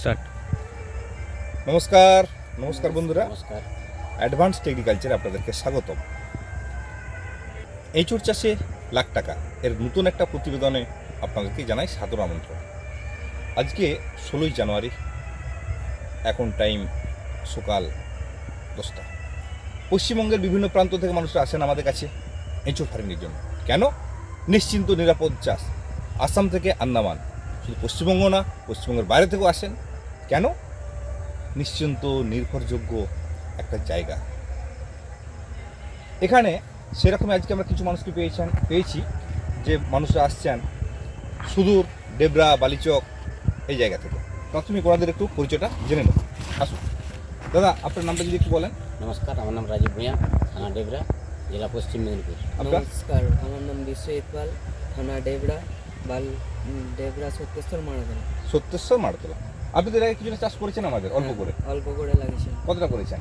Start. নমস্কার নমস্কার বন্ধুরা, নমস্কার। অ্যাডভান্সড এগ্রিকালচারে আপনাদেরকে স্বাগতম। এঁচোড় চাষে লাখ টাকা এর নতুন একটা প্রতিবেদনে আপনাদেরকে জানাই সাদর আমন্ত্রণ। আজকে 16ই জানুয়ারি, এখন টাইম সকাল 10টা। পশ্চিমবঙ্গের বিভিন্ন প্রান্ত থেকে মানুষরা আসেন আমাদের কাছে এঁচোড় ফার্মিংয়ের জন্য। কেন? নিশ্চিন্ত নিরাপদ চাষ। আসাম থেকে আন্দামান, শুধু পশ্চিমবঙ্গ না, পশ্চিমবঙ্গের বাইরে থেকেও আসেন। কেন? নিশ্চিন্ত নির্ভরযোগ্য একটা জায়গা। এখানে সেরকমই আজকে আমরা কিছু মানুষকে পেয়েছি যে মানুষরা আসছেন সুদূর ডেবরা, বালিচক এই জায়গা থেকে। প্রাথমিক ওনাদের একটু পরিচয়টা জেনে নেব। আসুন দাদা, আপনার নামটা যদি একটু বলেন। নমস্কার, আমার নাম রাজীব ভূঁইয়া, থানা ডেবরা, জেলা পশ্চিম মেদিনীপুর। আপনার? নমস্কার, আমার নাম বিশ্বজিৎ পাল, থানা ডেবরা, ডেবরা সত্যেশ্বর মারাতলা। সত্যেশ্বর মারতলা। আপনি তো এর আগে কিছুটা চাষ করেছেন আমাদের অল্প করে। অল্প করে লাগিয়েছি। কতটা করেছেন?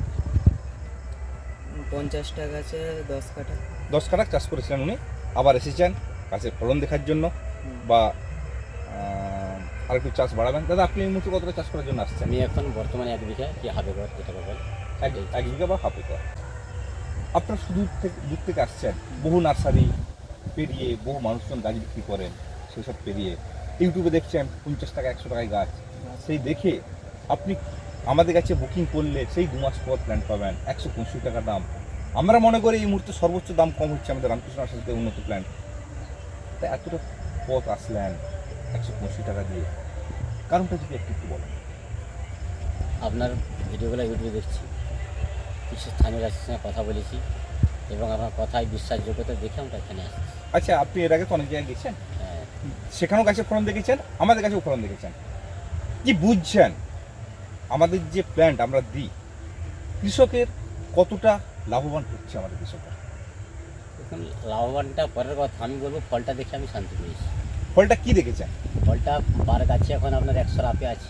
50টা গাছে 10 কাঠা। 10 কাঠা চাষ করেছিলেন উনি। আবার এসেছেন গাছের ফলন দেখার জন্য বা আরেকটু চাষ বাড়াবেন। দাদা, আপনি এই মুহূর্তে কতটা চাষ করার জন্য আসছেন? আমি এখন বর্তমানে 1 বিঘা কি হাফ একর যেটা বল, 1 বিঘা বা হাফ একর। আপনার দূর থেকে আসছেন, বহু নার্সারি পেরিয়ে, বহু মানুষজন গাছ বিক্রি করেন, সেসব পেরিয়ে ইউটিউবে দেখছেন 50 টাকা 100 টাকায় গাছ। সেই দেখে আপনি আমাদের কাছে বুকিং করলে সেই 2 মাস পর প্ল্যান্ট পাবেন 165 টাকা দাম। আমরা মনে করি এই মুহূর্তে সর্বোচ্চ দাম কম হচ্ছে আমাদের রামকৃষ্ণ নার্সারিতে উন্নত প্ল্যান্ট। তাই এতটা পথ আসলেন 165 টাকা দিয়ে, কারণটা যদি একটু বলেন। আপনার ভিডিওগুলো ইউটিউবে দেখছি, কিছু স্থানীয় গাছের সঙ্গে কথা বলেছি এবং আমার কথায় বিশ্বাসযোগ্যতা দেখে আমরা এখানে আসছি। আচ্ছা, আপনি এর আগে তো অনেক জায়গায় গেছেন, হ্যাঁ, সেখানেও গাছের ফলন দেখেছেন, আমাদের কাছেও ফলন দেখেছেন। কি বুঝছেন আমাদের যে প্ল্যান্ট আমরা দিই, কৃষকের কতটা লাভবান হচ্ছে আমাদের কৃষকরা? এখন লাভবানটা পরের কথা, আমি বলবো ফলটা দেখে আমি শান্তি পেয়েছি। ফলটা কি দেখেছেন? ফলটা পার গাছে এখন আপনার 100 আপে আছে,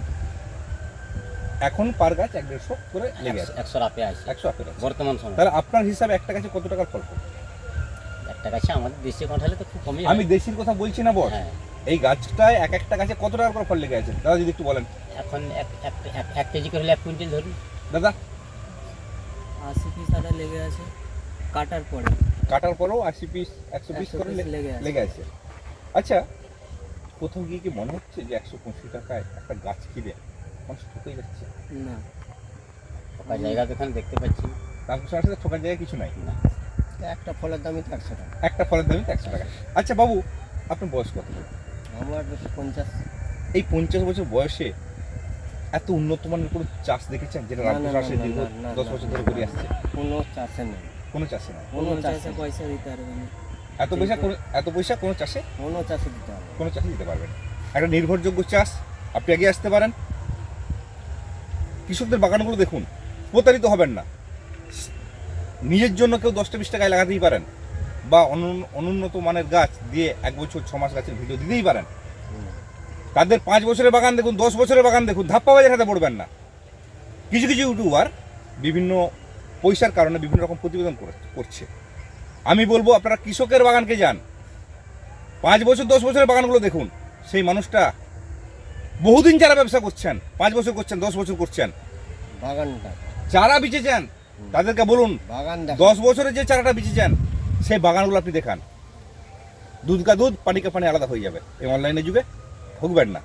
এখন পার গাছ 150 করে লেগে আছে। 100 আপে আছে 100 আপেল আছে। বর্তমান সময়। তাহলে আপনার হিসাবে একটা গাছে কত টাকার ফল পাবে? একটা গাছে আমাদের দেশি কাঁঠালে তো খুব কমই আমি দেশির কথা বলছি না বস, হ্যাঁ, এই গাছটায় একটা গাছে কত টাকার করে ফল লেগে আছে দাদা যদি একটু বলেন। এখন এক কেজি করে হলে 1 কুইন্টাল ধরুন। দাদা, 80 পিস আটা লেগে আছে কাটার পরে। কাটার পরেও 80 পিস 100 পিস করে লেগে আছে। আচ্ছা, কোথাও গিয়ে কি মনে হচ্ছে যে 125 টাকায় একটা গাছ কিনে মানুষ ঠকে যাচ্ছে? না, ফাঁকা জায়গা তো এখানে দেখতে পাচ্ছি না। রামকৃষ্ণ নার্সারিতে ঠকার জায়গায় কিছু নাই। না, একটা ফলের দামই তো 100 টাকা। একটা ফলের দামই তো 100 টাকা। আচ্ছা বাবু, আপনার বয়স কত? আমার 50। এই 50 বছর বয়সে এত উন্নত মানের কোনো চাষ দেখেছেন যেটা না, রামকৃষ্ণ না, নার্সারি না, দীর্ঘ না, 10 বছর ধরে করে আসছে? কোনো চাষে নেই, কোনো চাষে না। কোনো চাষে পয়সা দিতে পারবে না, এত পয়সা কোনো চাষে কোনো চাষে দিতে হবে। কোনো চাষে দিতে পারবেন। একটা নির্ভরযোগ্য চাষ, আপনি এগিয়ে আসতে পারেন। কৃষকদের বাগানগুলো দেখুন, প্রতারিত হবেন না। নিজের জন্য কেউ 10টা 20 টাকায় লাগাতেই পারেন, বা অনুন্নত মানের গাছ দিয়ে 1 বছর 6 মাস গাছের ভিডিও দিতেই পারেন। তাদের 5 বছরের বাগান দেখুন, 10 বছরের বাগান দেখুন, ধাপ্পা বাজার হাতে পড়বেন না। কিছু কিছু ইউটিউবার বিভিন্ন পয়সার কারণে বিভিন্ন রকম প্রতিবেদন করছে। আমি বলবো আপনারা কৃষকের বাগানকে যান, 5 বছর 10 বছরের বাগানগুলো দেখুন। সেই মানুষটা বহুদিন যারা ব্যবসা করছেন, 5 বছর করছেন, 10 বছর করছেন, বাগানটা চারা বিচেছেন, তাদেরকে বলুন বাগান 10 বছরের যে চারাটা বিচেছেন সেই বাগানগুলো আপনি দেখান। দুধ কা দুধ, পানি কা পানি আলাদা হয়ে যাবে। এই অনলাইনে যুগে ঠকবেন না।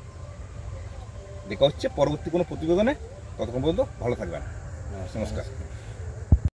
দেখা হচ্ছে পরবর্তী কোনো প্রতিবেদনে। ততক্ষণ পর্যন্ত ভালো থাকবেন। নমস্কার।